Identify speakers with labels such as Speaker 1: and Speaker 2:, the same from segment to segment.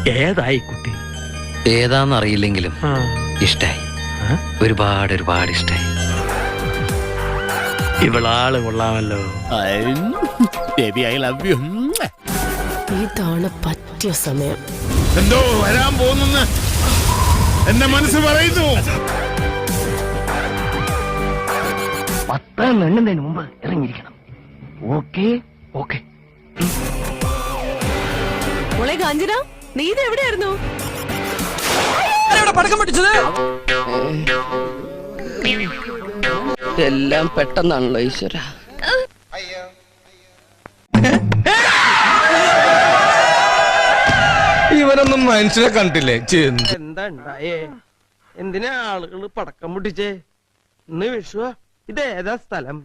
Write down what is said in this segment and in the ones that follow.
Speaker 1: ഏതായി കുട്ടി?
Speaker 2: ഏതാന്നറിയില്ലെങ്കിലും ഇഷ്ടായി. ഒരുപാട് ഇഷ്ടായി.
Speaker 1: ഇവളാള് കൊള്ളാമല്ലോ.
Speaker 3: ഇതാണ് പറ്റിയ സമയം.
Speaker 4: എന്തോ വരാൻ പോകുന്നു എന്റെ മനസ്സ് പറയുന്നു.
Speaker 1: 10 എണ്ണുന്നതിന് മുമ്പ് ഇറങ്ങിയിരിക്കണം. Okay okay.
Speaker 3: മോളെ കാഞ്ചന, നീ ഇത് എവിടെയായിരുന്നു?
Speaker 2: പടക്കം പൊട്ടിച്ചത് എല്ലാം പെട്ടെന്നാണല്ലോ ഈശ്വര.
Speaker 5: ഇവനൊന്നും മനുഷ്യനെ കണ്ടില്ലേ?
Speaker 6: എന്താ ഉണ്ടായേ? എന്തിനാ ആളുകള് പടക്കം പൊട്ടിച്ചേ? ഇന്ന് വിഷുവാ. ഇതേതാ സ്ഥലം?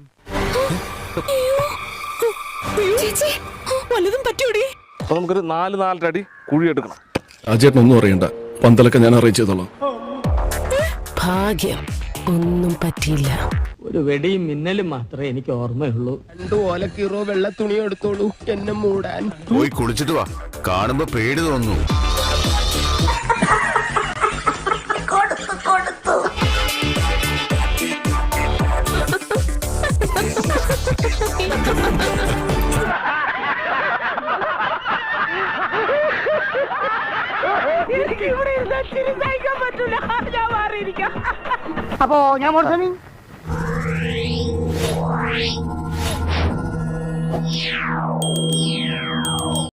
Speaker 3: വല്ലതും പറ്റൂടി?
Speaker 7: അപ്പൊ നമുക്കൊരു 4 അടി കുഴി എടുക്കണം.
Speaker 5: അജേട്ടനൊന്നും അറിയണ്ട, പന്തലൊക്കെ ഞാൻ അറിയിച്ചതോളാം.
Speaker 3: ഭാഗ്യം, ഒന്നും പറ്റിയില്ല.
Speaker 6: ഒരു വെടിയും മിന്നലും മാത്രമേ എനിക്ക് ഓർമ്മയുള്ളൂ. 2 ഓലക്കീറോ വെള്ള തുണി എടുത്തോളൂ എന്നെ മൂടാൻ.
Speaker 4: പോയി കുളിച്ചിട്ട് വാ, കാണുമ്പോ പേടി തോന്നുന്നു.
Speaker 1: അപ്പോ ഞാൻ മോർസണി
Speaker 8: Yeah.